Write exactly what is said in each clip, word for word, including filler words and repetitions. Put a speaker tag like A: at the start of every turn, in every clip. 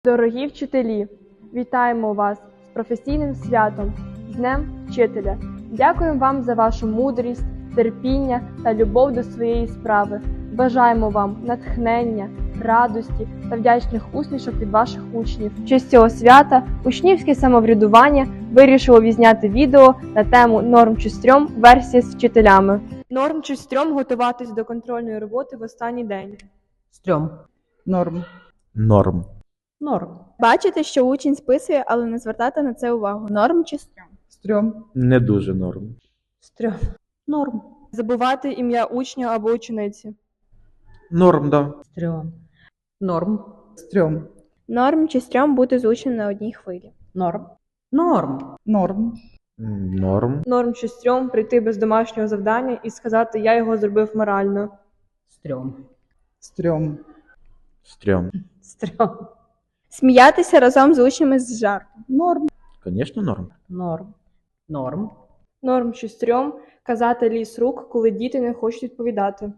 A: Дорогі вчителі, вітаємо вас з професійним святом, з Днем Вчителя. Дякуємо вам за вашу мудрість, терпіння та любов до своєї справи. Бажаємо вам натхнення, радості та вдячних усмішок від ваших учнів. В честь цього свята учнівське самоврядування вирішило відзняти відео на тему «Норм чи стрьом. Версія з вчителями». Норм чи стрьом готуватись до контрольної роботи в останній день?
B: Стрьом.
C: Норм.
D: Норм.
B: Норм.
E: Бачити, що учень списує, але не звертати на це увагу. Норм чи стрьом?
C: Стрьом.
D: Не дуже норм.
B: Стрьом. Норм.
A: Забувати ім'я учня або учениці?
D: Норм, да.
B: Стрьом. Норм.
C: Стрьом.
E: Норм чи стрьом бути з учнем на одній хвилі?
B: Норм. Норм.
C: Норм.
D: М, Норм.
A: Норм чи стрьом прийти без домашнього завдання і сказати «я його зробив морально».
B: Стрьом.
C: Стрьом.
D: Стрьом.
B: Стрьом.
E: Сміятися разом з учнями з жартом?
C: Норм.
D: Звісно, норм.
B: Норм. Норм.
A: Норм чи стрьом казати ліс рук, коли діти не хочуть відповідати?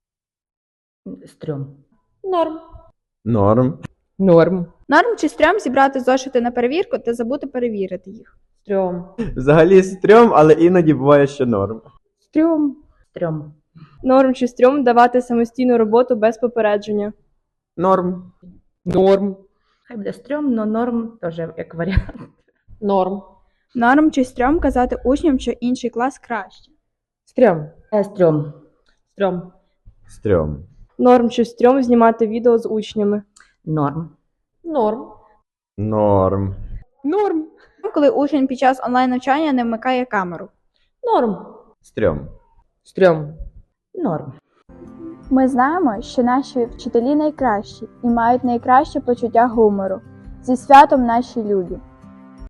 B: Стрьом.
A: Норм.
D: Норм.
B: Норм.
E: Норм чи стрьом зібрати зошити на перевірку та забути перевірити їх?
B: Стрьом.
F: Взагалі стрьом, але іноді буває, що норм.
B: Стрьом. Стрьом.
A: Норм чи стрьом давати самостійну роботу без попередження?
F: Норм.
B: Норм. Хай буде стрьом, но норм теж як варіант. Норм.
E: Норм чи стрьом казати учням, що інший клас краще?
B: Стрьом. Е, стрьом. Стрьом.
D: Стрьом.
A: Норм чи стрьом знімати відео з учнями?
B: Норм. Норм.
D: Норм.
B: Норм.
E: Коли учень під час онлайн-навчання не вмикає камеру?
B: Норм.
D: Стрьом.
B: Стрьом. Норм.
E: Ми знаємо, що наші вчителі найкращі і мають найкраще почуття гумору. Зі святом наші любі!